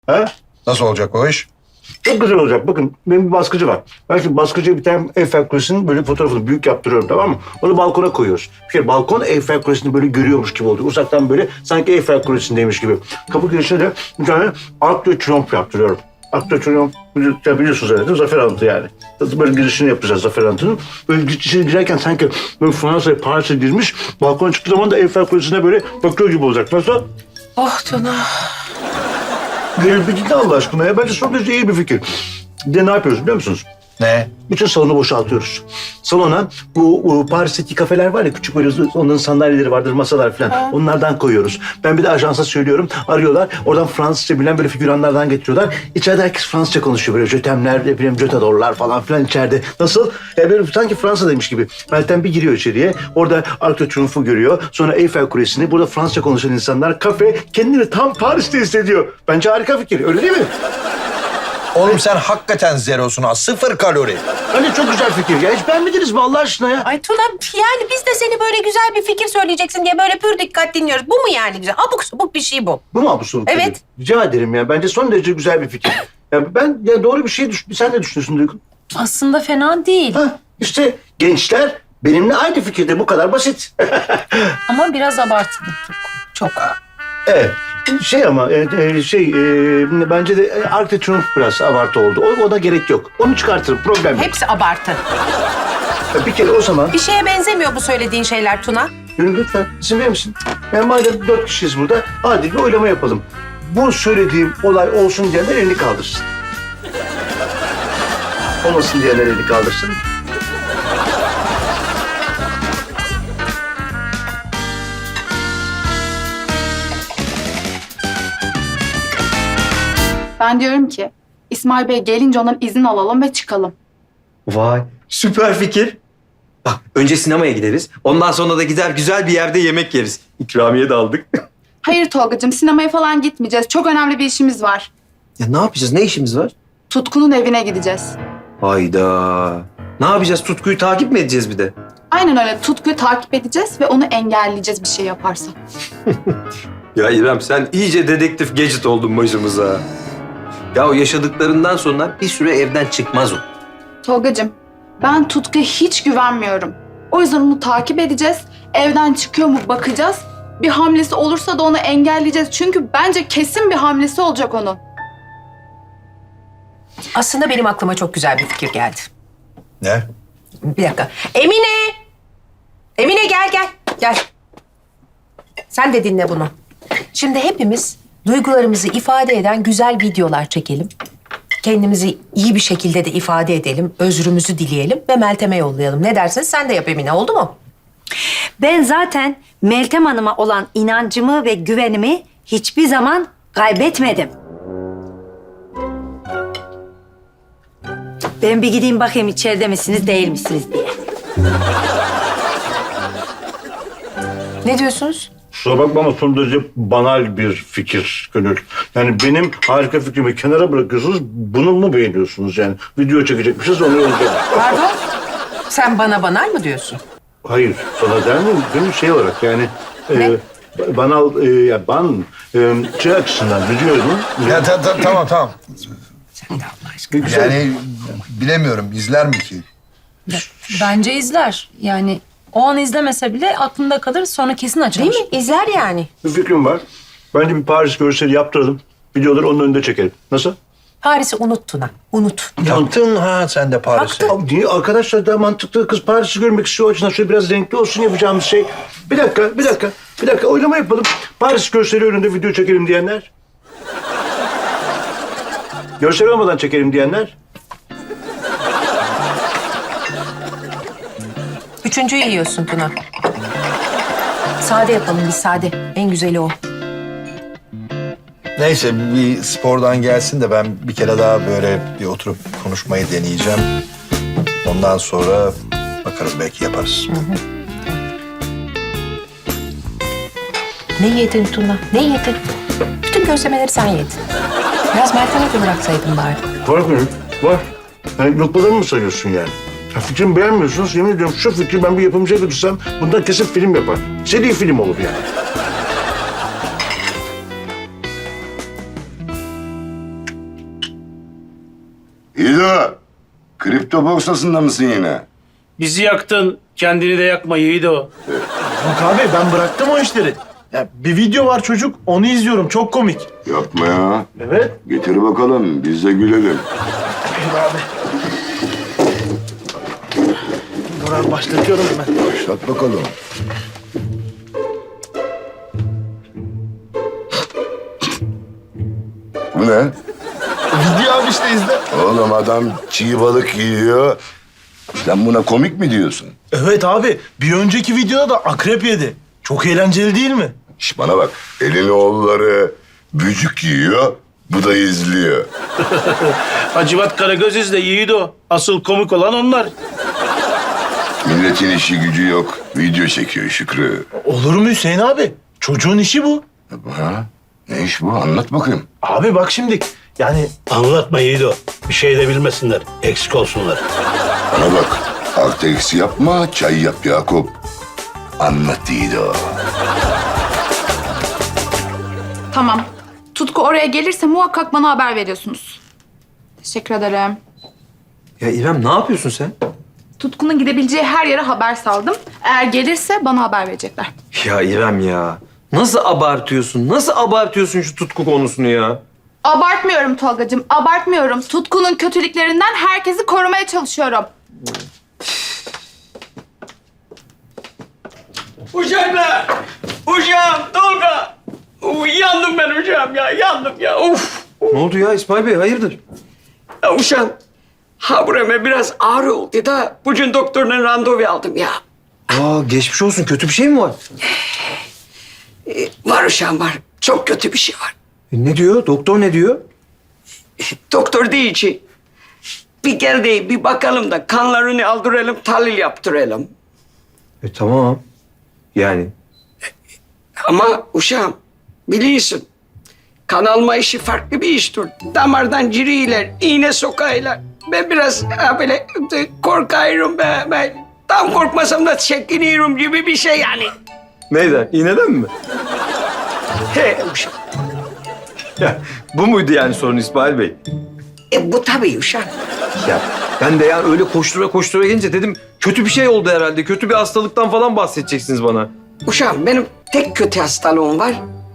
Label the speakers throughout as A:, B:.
A: Ha?
B: Nasıl olacak o iş?
A: Çok güzel olacak. Bakın benim bir baskıcı var. Ben şimdi baskıcıya bir tane Eiffel Kulesi'nin böyle fotoğrafını büyük yaptırıyorum, tamam mı? Onu balkona koyuyoruz. Bir kere balkon Eiffel Kulesi'ni böyle görüyormuş gibi oluyor. Uzaktan böyle sanki Eiffel Kulesi'ndeymiş gibi. Kapı girişine de bir tane Arc de Triomphe yaptırıyorum. Arc de Triomphe biliyorsunuz herhalde, zafer anıtı yani. Böyle girişini yapacağız zafer anıtının. Böyle içeri girerken sanki böyle Fransa'ya, Paris'e girmiş. Balkona çıktığı zaman da Eiffel Kulesi'ne böyle bakıyor gibi olacak. Nasıl?
C: Oh Tuna.
A: Gelin bir gidin Allah aşkına ya. Bence son derece iyi bir fikir. Bir de ne yapıyoruz biliyor musunuz?
B: Ne?
A: Bütün salonu boşaltıyoruz. Salona bu Paris'teki kafeler var ya, küçük böyle onların sandalyeleri vardır, masalar falan. Onlardan koyuyoruz. Ben bir de ajansa söylüyorum. Arıyorlar. Oradan Fransızca bilen böyle figüranlardan getiriyorlar. İçeride herkes Fransızca konuşuyor. Böyle jötemler, ne bileyim jötadorlar falan filan içeride. Nasıl? Böyle sanki Fransa'daymış gibi. Meltem bir giriyor içeriye. Orada Arc de Triomphe'u görüyor. Sonra Eiffel Kulesi'ni. Burada Fransızca konuşan insanlar. Kafe kendini tam Paris'te hissediyor. Bence harika fikir. Öyle değil mi?
B: Oğlum sen hakikaten zerosun ha. 0 kalori.
A: Bence çok güzel fikir ya. Hiç beğenmediniz mi Allah aşkına ya?
C: Ay Tuna yani biz de seni böyle güzel bir fikir söyleyeceksin diye böyle pür dikkat dinliyoruz. Bu mu yani güzel? Abuk subuk bir şey bu.
A: Bu mu bu soru?
C: Evet.
A: Rica ederim ya. Bence son derece güzel bir fikir. Ya ben ya doğru bir şey sen ne düşünüyorsun Duygu?
D: Aslında fena değil.
A: Ha, işte gençler benimle aynı fikirde, bu kadar basit.
D: Ama biraz abartılı. Çok.
A: Evet. Ama bence de Arc de Triomphe biraz abartı oldu. Ona gerek yok. Onu çıkartırım, problem yok.
C: Hepsi abartı.
A: Ya bir kere o zaman
C: Bir şeye benzemiyor bu söylediğin şeyler Tuna.
A: Gönül lütfen izin verir misin? Yani madem 4 kişiyiz burada, hadi bir oylama yapalım. Bu söylediğim olay olsun diyenler elini kaldırsın. Olmasın diyenler elini kaldırsın.
E: Ben diyorum ki İsmail Bey gelince ondan izin alalım ve çıkalım.
F: Vay, süper fikir. Bak, önce sinemaya gideriz. Ondan sonra da gider güzel bir yerde yemek yeriz. İkramiye de aldık.
E: Hayır Tolgacığım, sinemaya falan gitmeyeceğiz. Çok önemli bir işimiz var.
F: Ya ne yapacağız? Ne işimiz var?
E: Tutku'nun evine gideceğiz.
F: Hayda. Ne yapacağız? Tutkuyu takip mi edeceğiz bir de?
E: Aynen öyle. Tutku'yu takip edeceğiz ve onu engelleyeceğiz bir şey yaparsa.
F: Ya İrem, sen iyice dedektif Gadget oldun başımıza. Ya o yaşadıklarından sonra bir süre evden çıkmaz o.
E: Tolgacığım, ben Tutku'ya hiç güvenmiyorum. O yüzden onu takip edeceğiz. Evden çıkıyor mu bakacağız. Bir hamlesi olursa da onu engelleyeceğiz. Çünkü bence kesin bir hamlesi olacak onun.
C: Aslında benim aklıma çok güzel bir fikir geldi.
B: Ne?
C: Bir dakika. Emine! Emine gel. Gel. Sen de dinle bunu. Şimdi hepimiz duygularımızı ifade eden güzel videolar çekelim. Kendimizi iyi bir şekilde de ifade edelim. Özrümüzü dileyelim ve Meltem'e yollayalım. Ne dersin? Sen de yap Emine, oldu mu?
G: Ben zaten Meltem Hanım'a olan inancımı ve güvenimi hiçbir zaman kaybetmedim. Ben bir gideyim bakayım içeride misiniz değil misiniz diye.
C: Ne diyorsunuz?
A: Kusura bakma ama son derece banal bir fikir Gönül. Yani benim harika fikrimi kenara bırakıyorsunuz, bunu mu beğeniyorsunuz yani? Video çekecekmişiz, onu yollayacağız.
C: Pardon? Sen bana banal mı diyorsun?
A: Hayır, sana der miyim? Gönül şey olarak yani...
C: Ne?
A: Banal, şey açısından biliyorum.
B: Ya tamam.
C: Sen de Allah aşkına.
B: Yani bilemiyorum izler mi ki?
D: Bence izler. Yani o an izlemese bile aklında kalır, sonra kesin açar.
C: Değil mi? İzler yani.
A: Bir fikrim var. Bence bir Paris görseli yaptıralım. Videoları onun önünde çekelim. Nasıl?
C: Paris'i unut Tuna. Unut.
B: Taktın ha sen de Paris'e.
A: Ya niye? Arkadaşlar daha mantıklı, kız Paris'i görmek istiyor. O açıdan şöyle biraz renkli olsun yapacağımız şey. Bir dakika. Oylama yapalım. Paris görseli önünde video çekelim diyenler. Görsel olmadan çekelim diyenler.
C: Üçüncüyü yiyorsun Tuna. Sade yapalım biz, sade. En güzeli o.
B: Neyse bir spordan gelsin de ben bir kere daha böyle bir oturup konuşmayı deneyeceğim. Ondan sonra bakarız belki yaparız.
C: Ne yedin Tuna? Ne yedin? Bütün gözlemeleri sen yedin. Biraz Meltem'e de bıraksaydın bari.
A: Var mı? Var. Yani lokmalarını mı sayıyorsun yani? Ya fikrimi beğenmiyorsunuz. Yemin ediyorum şu fikri ben bir yapımcıya götürsem bundan kesin film yapar. Seri film olur yani.
H: İdo, kripto borsasında mısın yine?
I: Bizi yaktın, kendini de yakma Yiğido.
A: Yok abi ben bıraktım o işleri. Ya bir video var çocuk onu izliyorum çok komik.
H: Yapma ya.
A: Evet.
H: Getir bakalım, biz de gülelim.
A: Dur abi başlatıyorum hemen.
H: Başlat bakalım. Bu ne?
A: Video abi işte izle.
H: Oğlum adam çiğ balık yiyor. Sen buna komik mi diyorsun?
A: Evet abi bir önceki videoda da akrep yedi. Çok eğlenceli değil mi?
H: Şş bana bak, elin oğulları bücük yiyor, bu da izliyor.
I: Hacivat Karagöz izle Yiğido. Asıl komik olan onlar.
H: Milletin işi gücü yok, video çekiyor Şükrü.
A: Olur mu Hüseyin abi? Çocuğun işi bu.
H: Ha? Ne iş bu? Anlat bakayım.
A: Abi bak şimdi yani
I: Anlatma Yiğido. Bir şey de bilmesinler. Eksik olsunlar.
H: Bana bak, artı eksi yapma, çay yap Yakup. Anlat Dido.
E: Tamam. Tutku oraya gelirse muhakkak bana haber veriyorsunuz. Teşekkür ederim.
F: Ya İrem ne yapıyorsun sen?
E: Tutku'nun gidebileceği her yere haber saldım. Eğer gelirse bana haber verecekler.
F: Ya İrem ya. Nasıl abartıyorsun? Nasıl abartıyorsun şu tutku konusunu ya?
E: Abartmıyorum Tolgacığım, abartmıyorum. Tutku'nun kötülüklerinden herkesi korumaya çalışıyorum.
I: Uşaklar! Uşağım, Tolga! Yandım ben uşağım ya, yandım ya. Uf!
F: Ne oldu ya İsmail Bey? Hayırdır?
J: Ya uşağım, ha burama biraz ağrı oldu da bugün doktoruna randevu aldım ya.
F: Aa geçmiş olsun. Kötü bir şey mi var?
J: Var uşağım var. Çok kötü bir şey var.
F: Ne diyor? Doktor ne diyor?
J: Doktor değil ki. Bir gel de bir bakalım da kanlarını aldıralım, tahlil yaptıralım.
F: Tamam. Yani
J: Ama uşağım biliyorsun kan alma işi farklı bir iştir. Damardan giriyorlar, iğne sokaylar. Ben biraz böyle korkuyorum ben. Tam korkmasam da çekiniyorum gibi bir şey yani.
F: neyden? İğneden mi?
J: He uşağım.
F: Bu muydu yani sorun İsmail Bey?
J: Bu tabii uşağım.
F: Ya ben de yani öyle koştura koştura gelince dedim kötü bir şey oldu herhalde. Kötü bir hastalıktan falan bahsedeceksiniz bana.
J: Uşağım benim tek kötü hastalığım var.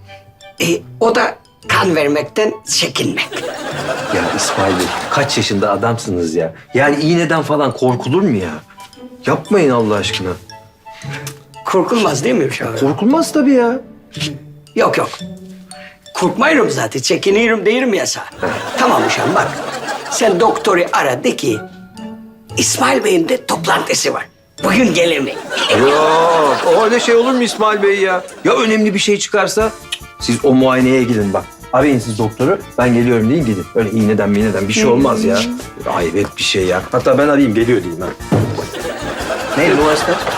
J: O da kan vermekten çekinmek.
F: Ya İsmail Bey kaç yaşında adamsınız ya? Yani iğneden falan korkulur mu ya? Yapmayın Allah aşkına.
J: Korkulmaz değil mi uşağım?
F: Korkulmaz tabii ya.
J: Yok yok. Korkmayırım zaten. Çekiniyorum değilim ya sana. Tamam uşağım bak. Sen doktoru ara de ki İsmail Bey'in de toplantısı var. Bugün gelir mi?
F: Yok öyle şey olur mu İsmail Bey ya? Ya önemli bir şey çıkarsa siz o muayeneye gidin bak. Arayın siz doktoru. Ben geliyorum deyin gidin. Öyle iğneden bir şey olmaz ya. Hayret bir şey ya. Hatta ben arayayım geliyor diyeyim ha. Neydi numarası kaç?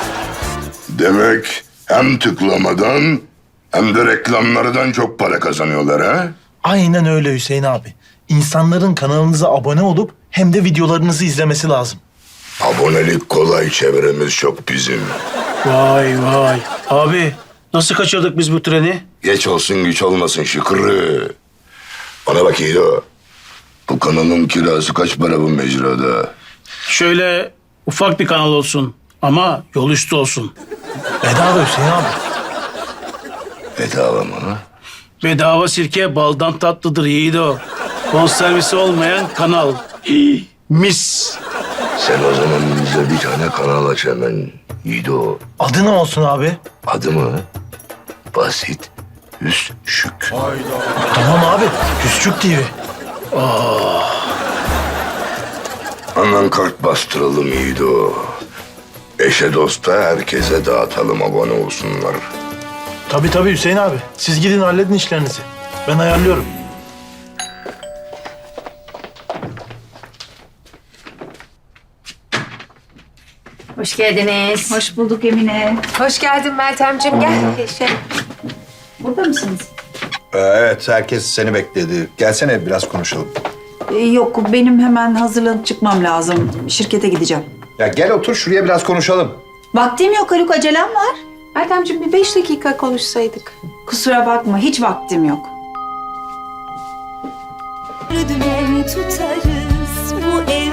H: Demek hem tıklamadan hem de reklamlardan çok para kazanıyorlar ha?
A: Aynen öyle Hüseyin abi. İnsanların kanalınıza abone olup hem de videolarınızı izlemesi lazım.
H: Abonelik kolay, çevremiz çok bizim.
I: Vay vay. Abi nasıl kaçırdık biz bu treni?
H: Geç olsun güç olmasın Şükrü. Bana bak İdo. Bu kanalın kirası kaç para bu mecrada?
I: Şöyle ufak bir kanal olsun ama yol üstü olsun.
A: Bedava Hüseyin abi.
H: Bedava mı?
I: Bedava sirke baldan tatlıdır Yiğido. Konservisi olmayan kanal. Mis.
H: Sen o zaman bize bir tane kanal aç hemen İdo.
A: Adı ne olsun abi?
H: Adı mı? Basit. Hüsşük.
A: Tamam abi. Küçük TV.
H: Hemen kart bastıralım İdo. Eşe dosta herkese dağıtalım, abone olsunlar.
A: Tabii Hüseyin abi. Siz gidin halledin işlerinizi. Ben ayarlıyorum.
G: Hoş geldiniz.
K: Hoş bulduk Emine.
C: Hoş geldin Meltemciğim gel.
K: Burada mısınız?
B: Evet, herkes seni bekledi. Gelsene biraz konuşalım.
K: Yok, benim hemen hazırlanıp çıkmam lazım. Şirkete gideceğim.
B: Ya gel otur şuraya biraz konuşalım.
K: Vaktim yok Haluk, acelem var.
C: Meltemciğim bir 5 dakika konuşsaydık.
K: Kusura bakma, hiç vaktim yok.
L: Dümen tutarız bu evde